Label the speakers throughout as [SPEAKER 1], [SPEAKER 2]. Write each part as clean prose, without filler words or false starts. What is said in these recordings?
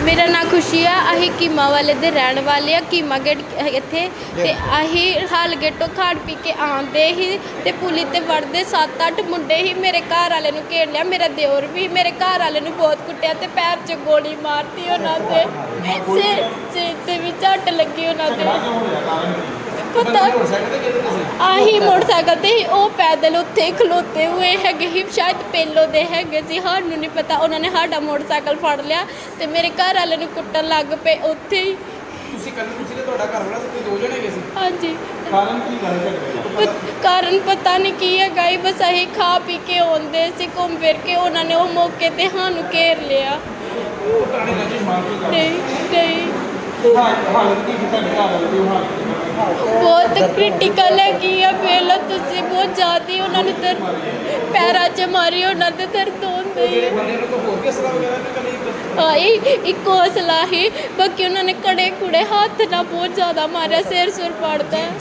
[SPEAKER 1] मेरा नाम खुशी है। अही कीमा वाले दे रहने वाले आ। कीमा गेट इत्थे ते अही हाल गेटों खाड़ पी के आंदे ही ते पुली ते वड़दे 7-8 मुंडे ही। मेरे घर वाले नूं घेर लिया, मेरा दिओर भी। मेरे घर वाले नूं बहुत कुट्टिया ते पैर च गोली मारती उन्हां दे, सिर ते भी झट लगी उन्हां दे। पता आही मोटरसाइकिल ते ही, ਉਹ पैदल उत्थे खलोते हुए हैगे ही, शायद पेलो दे हैगे सी, सानूं नहीं पता। उन्होंने साडा मोटरसाइकिल फड़ लिया ते मेरे घर वाले नूं कुट्टण लग पे उत्थे ही। हाँ जी, कारण पता नहीं की है गाई, बस अही खा पी के आउंदे सी, घूम फिर के उन्होंने वो मौके ते सानूं घेर लिया। नहीं बहुत क्रिटिकल हैगी आ। पहला तुसी बहुत ज़्यादा उन्होंने पैरों च मारी, उन्होंने दर्द होंदे एक हौसला ही, बाकी उन्होंने कड़े कुड़े हाथ ना बहुत ज़्यादा मारा, सिर सुर पड़ता है।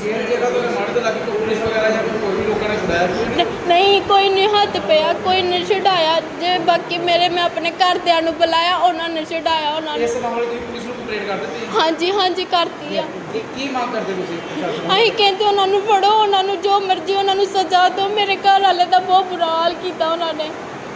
[SPEAKER 1] नहीं कोई नहीं हाथ पिया, कोई नहीं छुड़ाया जे। बाकी मेरे मैं अपने घरदियां नूं बुलाया, उन्होंने छुड़ाया। उन्होंने हाँ जी करती है। असीं कहते उन्होंने फड़ो, उन्होंने जो मर्जी उन्होंने सजा दो। मेरे घर वाले का बहुत बुरा हाल किया उन्होंने।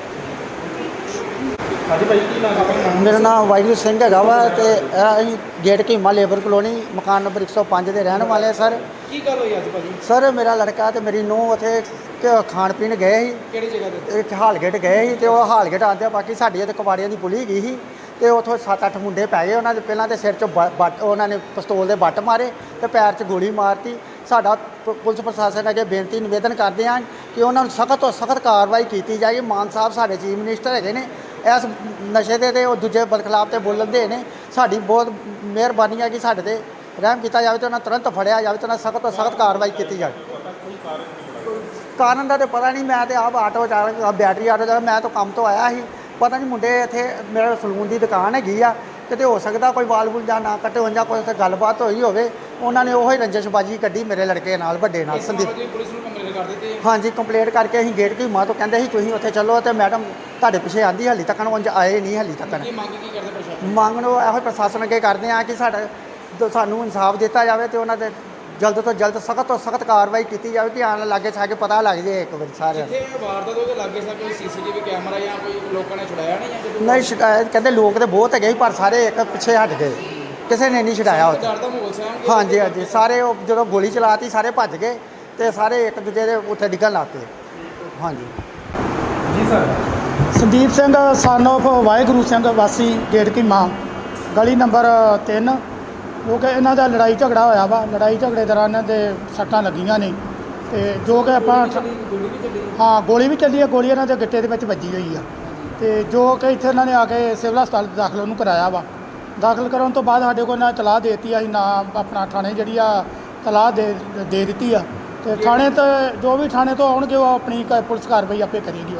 [SPEAKER 2] मेरा नाम वाहिगुरू सिंह है वा ते असीं गेट कीमा लेबर कलोनी मकान नंबर 105 के रहने वाले। सर सर मेरा लड़का तो मेरी नूंह उत्थे खाण पीण गए ही, हालगेट गए ही, तो हालगेट आंदे बाकी साडी ते कवाड़ियां की पुली गई ही, तो उतों 7-8 मुंडे पै गए। उन्होंने पहलां तो सिर चो बट उन्होंने पिस्तौल के बट मारे तो पैर च गोली मारती। साडा पुलिस प्रशासन अगे बेनती निवेदन करते हैं कि उन्होंने सख्त तो सख्त कार्रवाई की जाए। मान साहब साडे चीफ मिनिस्टर है ने, इस नशे के तो दूजे बदखिलाफ तो बोलन दे ने। साडी बहुत मेहरबानी है कि साडे ते रहम किया जाए, तो उन्हें तुरंत फड़िया जाए, तो सख्त तो सख्त कार्रवाई की जाए। कारण का तो पता नहीं, मैं तो आप आटो चालक बैटरी आटो चालक, मैं तो काम तो आया ही, पता नहीं मुंडे इत्थे मेरे सलून की दुकान हैगी आ, किते हो सकता कोई वाल वूल जां ना कट्टे हों, कोई उत्थे गलबात होई होवे, उन्होंने उही रंजिशबाजी कड्ढी मेरे लड़के नाल, वड्डे नाल, संदीप। हाँ जी कंप्लेंट करके असीं गेट कीमा तो कहंदे सी तुसीं उत्थे चलो, तो मैडम तुहाडे पिछे आंदी हाली तक उंज आए नहीं, हाली तक मंग इहो प्रशासन अगे करते हैं कि सानूं इंसाफ दिता जाए, तो उन्होंने जल्द तो जल्द सख्त तो सख्त कार्रवाई की जाए कि आने लागे छागे पता लग जाए एक बार सारे। नहीं शिकायत कहते लोग तो बहुत है, पर सारे एक पिछे हट गए, किसी ने नहीं छुड़ाया। हाँ जी सारे जो गोली चलाती सारे भज गए, तो सारे एक दूजे के उत्थे डिगन लग पे। हाँ जी
[SPEAKER 3] sir
[SPEAKER 2] Sandeep Singh son of Wahiguru Singh वासी गेट कीमा गली नंबर 3, जो कि इन्हों का लड़ाई झगड़ा होया वा। लड़ाई झगड़े दौरान इन्हां दे सट्टां लगियां ने, तो जो कि आपां हाँ गोली भी चली है, गोली इन्हां दे गिट्टे दे विच वजी हुई आ, तो जो कि इत्थे इन्हां ने आके सिविल हस्पताल दाखल उन्होंने कराया वा। दाखल कराने तो बाद साडे कोल इन्हां तलाह देती, असीं ना अपना थाणे जिहड़ी आ तलाह दे दित्ती आ, तो थाणे तो जो भी थाणे तो आउणगे वो अपनी पुलिस कार्रवाई आपे करेगी।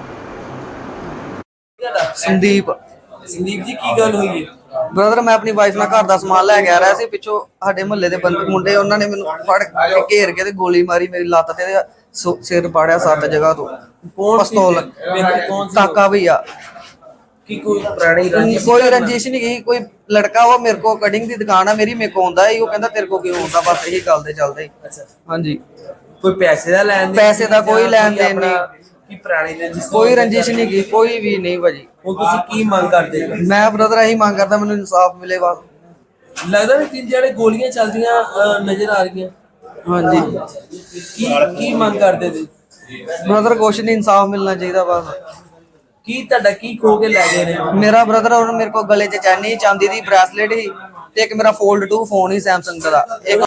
[SPEAKER 3] संदीप जी की गल हुई है?
[SPEAKER 4] ब्रदर मैं अपनी वाइफ ਨਾਲ घर ਦਾ ਸਮਾਨ ਲੈ ਕੇ ਆ ਰਿਹਾ ਸੀ, ਪਿੱਛੋਂ ਸਾਡੇ ਮੁਹੱਲੇ ਦੇ ਮੁੰਡੇ ਉਹਨਾਂ ਨੇ ਮੈਨੂੰ ਫੜ ਕੇ ਘੇਰ ਕੇ ਤੇ ਗੋਲੀ ਮਾਰੀ ਮੇਰੀ ਲੱਤ ਤੇ ਸਿਰ ਪਾੜਿਆ 7 ਜਗ੍ਹਾ ਤੋਂ। ਪਿਸਤੌਲ ਕਾਕਾ ਭਈਆ
[SPEAKER 3] की कोई पुरानी रंजिश?
[SPEAKER 4] कोई रंजिश नहीं की, कोई लड़का वो मेरे को कटिंग की दुकान है मेरी, मेरे को आंदा है, वो कहता तेरे को क्यों आंदा, बस यही गल दे चलदे। हाँ जी
[SPEAKER 3] कोई पैसे दा लैन
[SPEAKER 4] पैसे दा कोई लैन देन नहीं,
[SPEAKER 3] की पुरानी रंजिश?
[SPEAKER 4] कोई रंजिश नहीं की, कोई भी नहीं भाजी।
[SPEAKER 3] ਹੁਣ ਤੁਸੀਂ ਕੀ ਮੰਗ ਕਰਦੇ ਹੋ?
[SPEAKER 4] मैं ब्रदर यही मांग करता ਮੈਨੂੰ इंसाफ मिले बस।
[SPEAKER 3] ਲੱਗਦਾ ਵੀ 3 ਜਿਹੜੇ ਗੋਲੀਆਂ ਚੱਲਦੀਆਂ ਨਜ਼ਰ ਆ ਰਹੀਆਂ।
[SPEAKER 4] हाँ जी
[SPEAKER 3] ਕੀ ਮੰਗ ਕਰਦੇ ਤੁਸੀਂ?
[SPEAKER 4] ब्रदर कुछ नहीं, इंसाफ मिलना चाहिए बस।
[SPEAKER 3] ਕੀ ਤੁਹਾਡਾ ਕੀ ਖੋ ਕੇ ਲੈ ਗਏ ਨੇ?
[SPEAKER 4] मेरा ब्रदर और मेरे को गले च चैनी चांदी दी ब्रेसलेट ही, ते एक मेरा फोल्ड 2 फोन ही सैमसंग का, एक